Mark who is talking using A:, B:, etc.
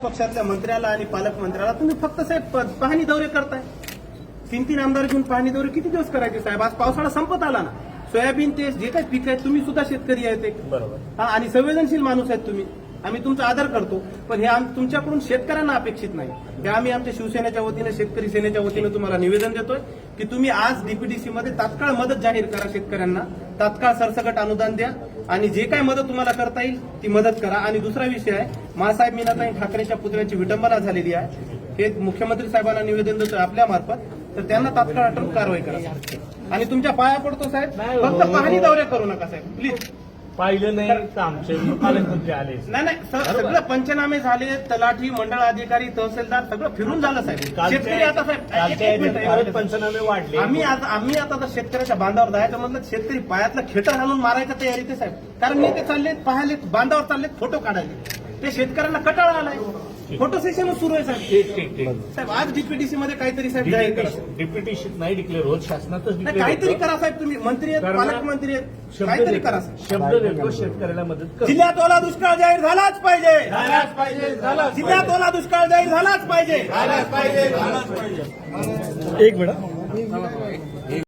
A: पक्षातल्या मंत्र्याला आणि पालकमंत्र्याला तुम्ही फक्त साहेब पाहणी दौरे करताय. 3-3 आमदार घेऊन पाहणी दौरे किती दिवस करायचे साहेब? आज पावसाळा संपत आला ना. सोयाबीन ते जे काही पीक आहे, तुम्ही सुद्धा शेतकरी आहेत एक.
B: बरोबर.
A: आणि संवेदनशील माणूस आहेत तुम्ही. आम्ही तुमचा आदर करतो, पण हे तुमच्याकडून शेतकऱ्यांना अपेक्षित नाही. हे आम्ही आमच्या शिवसेनेच्या वतीने, शेतकरी सेनेच्या वतीने तुम्हाला निवेदन देतोय की तुम्ही आज डीपीडीसी मध्ये तात्काळ मदत जाहीर करा. शेतकऱ्यांना तात्काळ सरसकट अनुदान द्या आणि जे काय मदत तुम्हाला करता येईल ती मदत करा. आणि दुसरा विषय आहे, मासाहेब मीनाताई ठाकरेच्या पुतळ्याची विटंबना झालेली आहे. हे मुख्यमंत्री साहेबांना निवेदन देतोय आपल्या मार्फत, तर त्यांना तात्काळ अटक कारवाई करा. आणि तुमच्या पाया पडतो साहेब, फक्त पाहणी दौरे करू नका साहेब, प्लीज.
B: पाहिलं नाही तर आमचे पालकमंत्री आले.
A: नाही सगळं पंचनामे झाले, तलाठी, मंडळ अधिकारी, तहसीलदार सगळं फिरून झालं साहेब. शेतकरी आता साहेब
B: पंचनामे वाढले.
A: आम्ही आता तर शेतकऱ्याच्या बांधावर जायचं म्हटलं, शेतकरी पायातलं खेटर घालून मारायच्या तयारीत साहेब. कारण नेते चालले पाहायले, बांधावर चालले फोटो काढायले. ते शेतकऱ्यांना कटाळा आलाय. फोटो सेशन सुरू आहे साहेब.
B: ठीक.
A: साहेब आज डीपीडीसी मध्ये काहीतरी साहेब जाहीर करा.
B: डिप्युटी नाही डिक्लेअर होत, शासनातच
A: नाही, काहीतरी करा साहेब. तुम्ही मंत्री आहेत, पालकमंत्री आहेत, काहीतरी करा साहेब.
B: शब्द देतो शेतकऱ्याला मदत कर.
A: जिल्ह्यात ओला दुष्काळ जाहीर झालाच पाहिजे. जिल्ह्यात ओला दुष्काळ जाहीर झालाच पाहिजे.
B: एक मिनिट.